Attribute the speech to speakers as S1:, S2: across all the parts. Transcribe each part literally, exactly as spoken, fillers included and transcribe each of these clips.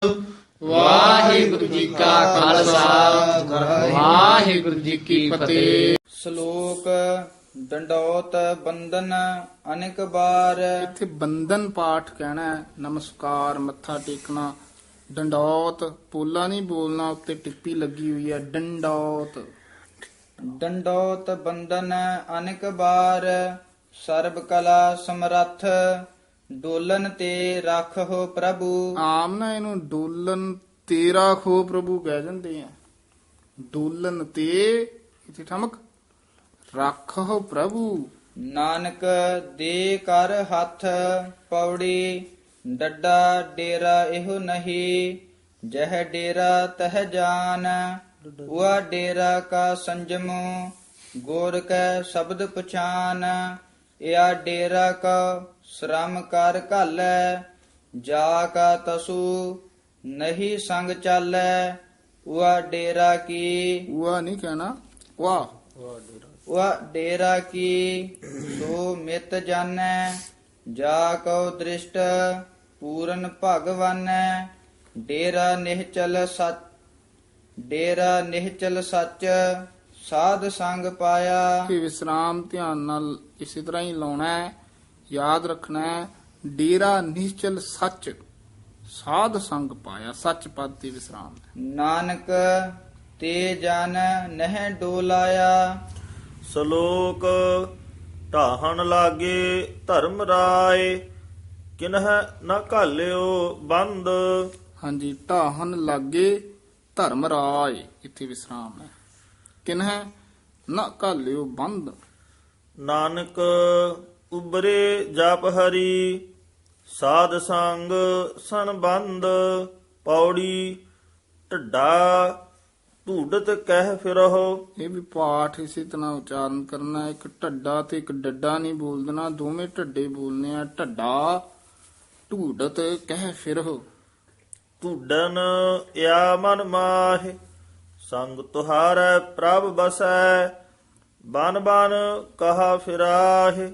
S1: ਵਾਹਿਗੁਰੂ ਜੀ ਕਾ ਖਾਲਸਾ ਵਾਹਿਗੁਰੂ ਜੀ ਕੀ ਫਤਿਹ।
S2: ਸ਼ਲੋਕ ਡੰਡੌਤ ਬੰਦਨ ਅਨੇਕ ਬਾਰ।
S1: ਇੱਥੇ ਬੰਦਨ ਪਾਠ ਕਹਿਣਾ ਹੈ, ਨਮਸਕਾਰ ਮੱਥਾ ਟੇਕਣਾ। ਡੰਡੌਤ ਪੋਲਾ ਨਹੀਂ ਬੋਲਣਾ, ਉੱਤੇ ਟਿੱਪੀ ਲੱਗੀ ਹੋਈ ਹੈ ਡੰਡੌਤ।
S2: ਡੰਡੌਤ ਬੰਦਨ ਅਨੇਕ ਬਾਰ ਸਰਬ ਕਲਾ ਸਮਰੱਥ ਡੋਲਨ ਤੇ ਰੱਖੋ ਪ੍ਰਭੂ।
S1: ਆਮ ਨਾ ਇਹਨੂੰ ਡੋਲਨ ਤੇ ਰਾਖੋ ਪ੍ਰਭੂ ਕਹਿ ਜਾਂਦੇ ਆ। ਡੋਲਨ ਤੇ ਇੱਥੇ ਠਮਕ ਰੱਖੋ ਪ੍ਰਭੂ।
S2: ਨਾਨਕ ਦੇ ਕਰ ਹੱਥ ਪੌੜੀ ਡੱਡਾ ਡੇਰਾ ਇਹੋ ਨਹੀਂ ਜਹ ਡੇਰਾ ਤਹ ਜਾਨ ਉਹ ਡੇਰਾ ਕਾ ਸੰਜਮੋ ਗੁਰ ਕੈ ਸ਼ਬਦ ਪਛਾਨ ਇਹ ਡੇਰਾ ਕਾ ਸ਼ਰਮ ਕਰ ਘਾਲੈ ਜਾ ਕਾ ਤਸੂ ਨਹੀਂ ਸੰਗ ਚਾਲੈ ਉਹ ਡੇਰਾ ਕੀ
S1: ਉਹ ਨਹੀਂ ਕਹਿਣਾ ਵਾਹ
S2: ਉਹ ਡੇਰਾ ਕੀ ਸੋ ਮਿਤ ਜਾਣੈ ਜਾ ਕਉ ਦ੍ਰਿਸ਼ਟ ਪੂਰਨ ਭਗਵਾਨੈ ਡੇਰਾ ਨਿਹਚਲ ਸੱਚ ਡੇਰਾ ਨਿਹਚਲ ਸੱਚ ਸਾਧ ਸੰਗ ਪਾਇਆ।
S1: ਕਿ ਵਿਸਰਾਮ ਧਿਆਨ ਨਾਲ ਇਸੇ ਤਰ੍ਹਾਂ ਹੀ ਲਾਉਣਾ ਹੈ, ਯਾਦ ਰੱਖਣਾ ਹੈ। ਡੇਰਾ ਨਿਸ਼ਚਲ ਸੱਚ ਸਾਧ ਸੰਗ ਪਾਇਆ, ਸੱਚ ਪਦ ਤੇ ਵਿਸਰਾਮ ਹੈ।
S2: ਨਾਨਕ ਤੇ ਜਨ ਨਹਿ ਡੋਲਾਇਆ।
S3: ਸ਼ਲੋਕ ਢਾਹਣ ਲਾਗੇ ਧਰਮ ਰਾਏ ਕਿਨਹ ਨਾ ਘਾਲਿਓ ਬੰਦ।
S1: ਹਾਂਜੀ, ਢਾਹਨ ਲਾਗੇ ਧਰਮ ਰਾਏ, ਇੱਥੇ ਵਿਸਰਾਮ ਹੈ। ਕਿਨਹਿ ਨਾ ਘਾਲਿਓ ਬੰਦ।
S3: ਨਾਨਕ ਉਬਰੇ ਜਪ ਹਰੀ ਸਾਧ ਸੰਗ ਸੰਬੰਧ ਪੌੜੀ ਢੱਡਾ ਢੂਡਤ ਕਹਿ ਫਿਰੋ।
S1: ਇਹ ਵੀ ਪਾਠ ਇਸੇ ਤਰ੍ਹਾਂ ਉਚਾਰਨ ਕਰਨਾ। ਇੱਕ ਢੱਡਾ ਤੇ ਇੱਕ ਡੱਡਾ ਨਹੀਂ ਬੋਲ ਦੇਣਾ, ਦੋਵੇਂ ਢੱਡੇ ਬੋਲਨੇ ਆ। ਢੱਡਾ ਢੂਡਤ ਕਹਿ ਫਿਰੋ।
S3: ਢੂਡਨ ਇਆ ਮਨ ਮਾਹਿ ਸੰਗ ਤੁਹਾਰੈ ਪ੍ਰਭ ਬਸੈ ਬਨ ਬਨ ਕਹਾ ਫਿਰਾਹਿ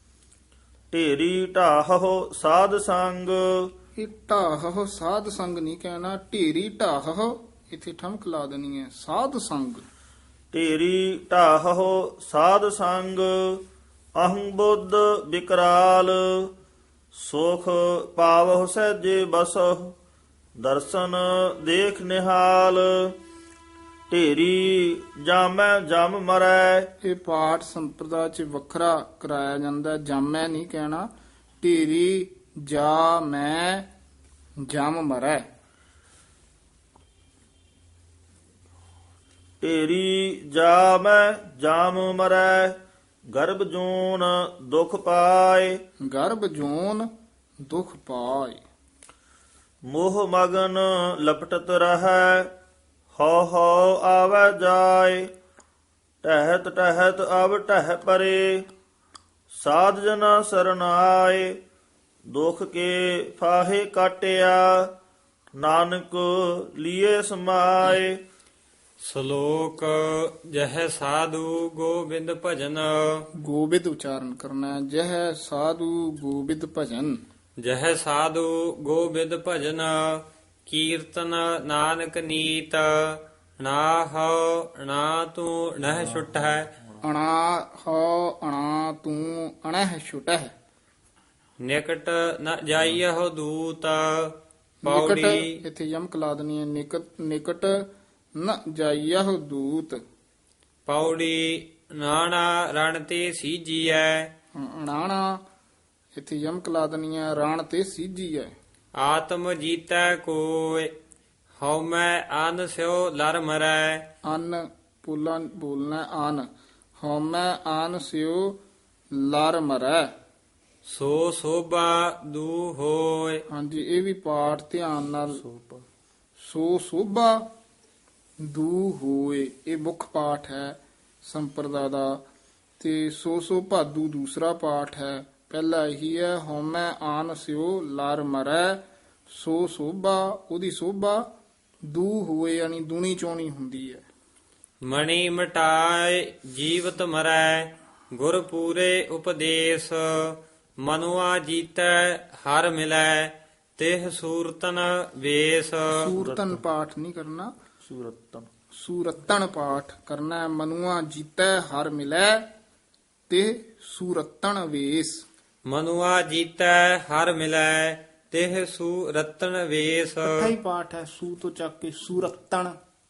S3: ਢੇਰੀ ਢਾਹੋ ਸਾਧ ਸੰਗ।
S1: ਇਹ ਢਾਹੋ ਸਾਧ ਸੰਗ ਨਹੀਂ ਕਹਿਣਾ, ਢੇਰੀ ਢਾਹੋ ਇੱਥੇ ਠਮਕ ਲਾ ਦੇਣੀ ਹੈ। ਸਾਧ ਸੰਗ
S3: ਢੇਰੀ ਢਾਹੋ ਸਾਧ ਸੰਗ ਅਹੰ ਬੁੱਧ ਵਿਕਰਾਲ ਸੁਖ ਪਾਵਹੁ ਸਹਿਜੇ ਬਸਹੁ ਦਰਸ਼ਨ ਦੇਖ ਨਿਹਾਲ ਢੇਰੀ ਜਾਮੈ ਜਮ ਮਰੈ। ਇਹ
S1: ਪਾਠ ਸੰਪਰਦਾ ਚ ਵੱਖਰਾ ਕਰਾਇਆ ਜਾਂਦਾ, ਜਾਮੈ ਨਹੀਂ ਕਹਿਣਾ। ਢੇਰੀ ਜਾ ਮੈਂ ਜਮ ਮਰੈ।
S3: ਢੇਰੀ ਜਾ ਮੈਂ ਜਾਮ ਮਰੈ ਗਰਭ ਜੂਨ ਦੁਖ ਪਾਏ।
S1: ਗਰਭ ਜੂਨ ਦੁਖ ਪਾਏ।
S3: ਮੋਹ ਮਗਨ ਲਪਟਤ ਰਹੈ ਹਉ ਹਉ ਆਵੈ ਜਾਏ ਟਹਿਤ ਟਹਿਤ ਅਬ ਟਹਿ ਪਰੇ ਸਾਧ ਜਨਾ ਸਰਣ ਆਏ ਦੁਖ ਕੇ ਫਾਹੇ ਕਾਟਿਆ ਨਾਨਕ ਲੀਏ ਸਮਾਏ।
S4: ਸ਼ਲੋਕ ਜਹ ਸਾਧੂ ਗੋਬਿੰਦ ਭਜਨ।
S1: ਗੋਬਿੰਦ ਉਚਾਰਨ ਕਰਨਾ ਹੈ। ਜਹ ਸਾਧੂ ਗੋਬਿੰਦ ਭਜਨ।
S4: ਜਹ ਸਾਧੂ ਗੋਬਿੰਦ ਭਜਨ ਕੀਰਤਨ ਨਾਨਕ ਨੀਤ ਨਾ ਹਉ ਨਾ ਤੂੰ ਨਹਿ ਛੁਟ ਹੈ।
S1: ਅਣਾ ਹੋ ਅਣਾ ਤੂੰ ਅਣਹ ਛੁਟਹਿ।
S4: ਨਿਕਟ ਨ ਜਾਈਹੁ ਦੂਤ
S1: ਨਿਕਟ
S4: ਪੌੜੀ।
S1: ਇੱਥੇ ਯਮਕ ਲਾ ਦੇਣੀ ਹੈ। ਨਿਕਟ ਨਿਕਟ ਨ ਜਾਈਹੁ ਦੂਤ
S4: ਪੌੜੀ ਨਾਣਾ ਰਣ ਤੇ ਸੀਜੀਐ।
S1: ਅਣਾਣਾ ਇੱਥੇ ਯਮਕ ਲਾ ਦੇਣੀ ਹੈ। ਰਾਣ ਤੇ ਸੀਜੀ ਹੈ।
S4: ਆਤਮ ਜੀਤੈ ਕੋਇ ਹਉ ਮੈਂ ਅਨ ਸਿਓ ਲਰ ਮਰੈ।
S1: ਅਨ ਪੋਲਾ ਬੋਲਣਾ ਅਨ ਹਉਮੈ ਅਨ ਸਿਓ ਲਰ ਮਰੈ।
S4: ਸੋ ਸੋਭਾ ਦੂ ਹੋਇ।
S1: ਹਾਂਜੀ, ਇਹ ਵੀ ਪਾਠ ਧਿਆਨ ਨਾਲ। ਸੋ ਸੋਭਾ ਦੂ ਹੋਏ, ਇਹ ਮੁੱਖ ਪਾਠ ਹੈ ਸੰਪਰਦਾ ਦਾ। ਤੇ ਸੋ ਸੋ ਭਾਦੂ ਦੂਸਰਾ ਪਾਠ ਹੈ। ਪਹਿਲਾ ਇਹੀ ਹੈ, ਹਉਮੈ ਆਨ ਸਿਓ ਲਰ ਮਰੈ। ਸੋ ਸੋਭਾ, ਉਹਦੀ ਸੋਭਾ ਦੂ ਹੋਏ ਯਾਨੀ ਦੂਣੀ ਚੋਣੀ ਹੁੰਦੀ ਹੈ।
S4: ਮਣੀ ਮਟਾਏ ਜੀਵਤ ਮਰੈ ਗੁਰ ਪੂਰੇ ਉਪਦੇਸ਼ ਮਨੁਆ ਜੀਤੈ ਹਰ ਮਿਲੈ ਤਿਹ ਸੂਰਤਨ ਵੇਸ
S1: ਸੂਰਤਨ ਪਾਠ ਨਹੀਂ ਕਰਨਾ,
S3: ਸੂਰਤਨ
S1: ਸੂਰਤਨ ਪਾਠ ਕਰਨਾ ਹੈ। ਮਨੁਆ ਜੀਤੈ ਹਰ ਮਿਲੈ ਤੇ ਸੂਰਤਨ ਵੇਸ।
S4: ਮਨੁਆ ਜੀਤੈ ਹਰ ਮਿਲੈ ਤਿਹ ਸੂਰਤਨ ਵੇਸ।
S1: ਇਕੱਠਾ ਹੀ ਪਾਠ ਹੈ, ਸੂ ਤੋਂ ਚੱਕ ਕੇ ਸੂਰਤਨ।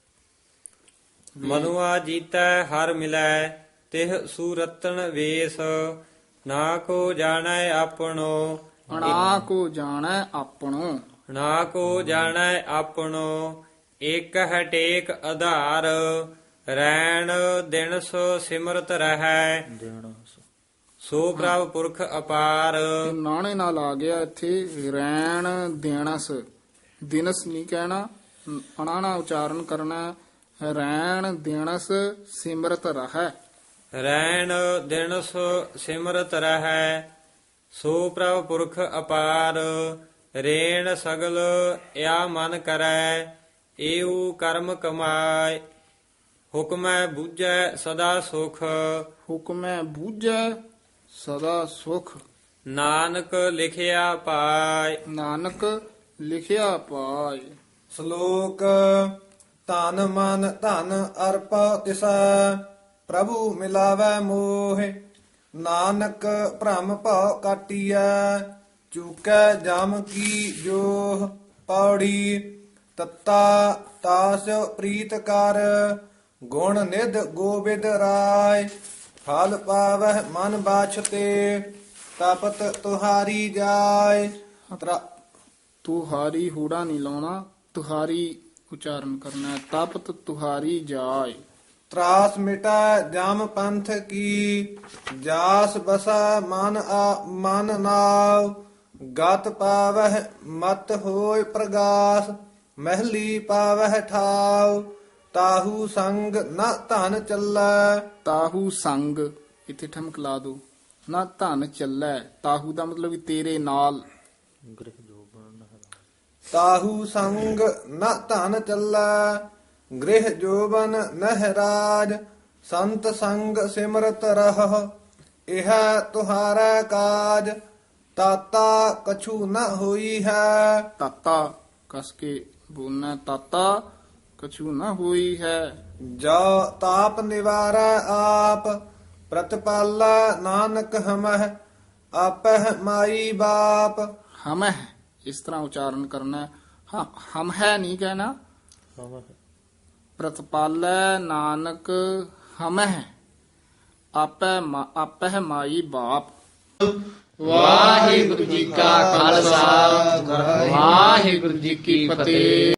S4: ਮਨੁਆ ਜੀਤੈ ਹਰ ਮਿਲੈ ਤਿਹ ਸੂਰਤਨ ਵੇਸ। ਨਾ ਕੋ ਜਾਣੈ ਆਪਣੋ
S1: ਅਣਾ ਕੋ ਜਾਣੈ ਆਪਣੋ।
S4: ਨਾ ਕੋ ਜਾਣੈ ਆਪਣੋ ਇਕ ਹਟੇਕ ਆਧਾਰ। ਰੈਣ ਦਿਨ ਸੋ ਸਿਮਰਤ ਰਹੈ
S3: ਦੇਣਾ
S4: ਸੋ ਪ੍ਰਭ ਪੁਰਖ ਅਪਾਰ।
S1: ਇਹ ਨਾਣੇ ਨਾਲ ਆ ਗਿਆ ਇੱਥੇ ਰੈਣ ਦੇਣਸ, ਦਿਨਸ ਨਹੀਂ ਕਹਿਣਾ, ਅਣਾਣਾ ਉਚਾਰਨ ਕਰਨਾ ਹੈ। ਰੈਣ ਦੇਣਸ ਸਿਮਰਤ ਰਹੈ।
S4: ਰੈਣ ਦਿਨ ਸੋ ਸਿਮਰਤ ਰਹੈ ਸੋ ਪ੍ਰਭ ਪੁਰਖ ਅਪਾਰ। ਰੇਣ ਸਗਲ ਇਆ ਮਨ ਕਰੈ ਏਉ ਕਰਮ ਕਮਾਏ। ਹੁਕਮੈ ਬੂਝੈ ਸਦਾ ਸੁਖ
S1: ਹੁਕਮੈ ਬੂਝੈ ਸਦਾ ਸੁਖ।
S4: ਨਾਨਕ ਲਿਖਿਆ ਪਾਏ।
S1: ਨਾਨਕ ਲਿਖਿਆ ਪਾਏ।
S5: ਸ਼ਲੋਕ ਧਨ ਮਨ ਧਨ ਅਰਪਾ ਤਿਸੈ ਪ੍ਰਭੂ ਮਿਲਾਵੈ ਮੋਹਿ। ਨਾਨਕ ਭ੍ਰਮ ਭਉ ਕਾਟੀਐ ਚੂਕੈ ਜਮ ਕੀ ਜੋਹ। ਪੌੜੀ ਤਤਾ ਤਾਸ ਪ੍ਰੀਤ ਕਰ ਗੁਣ ਨਿਧ ਗੋਬਿੰਦ ਰਾਏ। ਫਲ ਪਾਵਹਿ ਮਨ ਬਾਛਤੇ ਤਪਤ ਤੁਹਾਰੀ ਜਾਏ। ਤਰਾ-
S1: ਤੁਹਾਰੀ ਹੂੜਾ ਨਹੀਂ ਲਾਉਣਾ, ਤੁਹਾਰੀ ਉਚਾਰਨ ਕਰਨਾ ਹੈ। ਤਪਤ ਤੁਹਾਰੀ ਜਾਏ।
S5: ਤਰਾਸ ਮਿਟਾ ਜਮ ਪੰਥ ਕੀ ਜਾਸ ਬਸਾ ਮਨ ਆ ਮਨ ਨਾਉ। ਗਤ ਪਾਵਹਿ ਮਤ ਹੋਇ ਪ੍ਰਗਾਸ ਮਹਿਲੀ ਪਾਵਹਿ ਠਾਉ। ਤਾਹੂ ਸੰਗ ਨ ਧਨ ਚੱਲੈ।
S1: ਤਾਹੂ ਸੰਗ ਇੱਥੇ ਠਮਕ ਲਾ ਦੋ। ਨਾ ਧਨ ਚੱਲੈ, ਤਾਹੂ ਦਾ ਮਤਲਬ ਵੀ ਤੇਰੇ ਨਾਲ।
S3: ਗ੍ਰਹਿ ਜੋਬਨ
S5: ਤਾਹੂ ਸੰਗ ਨ ਧਨ ਚੱਲੈ ਗ੍ਰਹਿ ਜੋਬਨ ਨਹਿਰਾਜ। ਸੰਤ ਸੰਗ ਸਿਮਰਤ ਰਹ ਇਹ ਤੁਹਾਰਾ ਕਾਜ। ਤਾਤਾ ਕਛੂ ਨ ਹੋਈ ਹੈ।
S1: ਤਾਤਾ ਕਸ ਕੇ ਬੋਲਣਾ, ਤਾਤਾ ਕਛੂ ਨਾ ਹੋਈ ਹੈ।
S5: ਜੋ ਤਾਪ ਨਿਵਾਰੈ ਆਪ ਪ੍ਰਤਪਾਲਾ ਨਾਨਕ ਹਮਹਿ ਆਪਹਿ ਮਾਈ ਬਾਪ।
S1: ਹਮਹਿ ਇਸ ਤਰ੍ਹਾਂ ਉਚਾਰਨ ਕਰਨਾ ਹੈ। ਹ- ਹਮ ਹੈ ਨਹੀਂ ਕਹਿਣਾ। ਪ੍ਰਤਪਾਲੈ ਨਾਨਕ ਹਮਹਿ ਆਪੈ ਮਾ- ਆਪਹਿ ਮਾਈ ਬਾਪ।
S6: ਵਾਹਿਗੁਰੂ ਜੀ ਕਾ ਖਾਲਸਾ ਵਾਹਿਗੁਰੂ ਜੀ ਕੀ ਫਤਿਹ।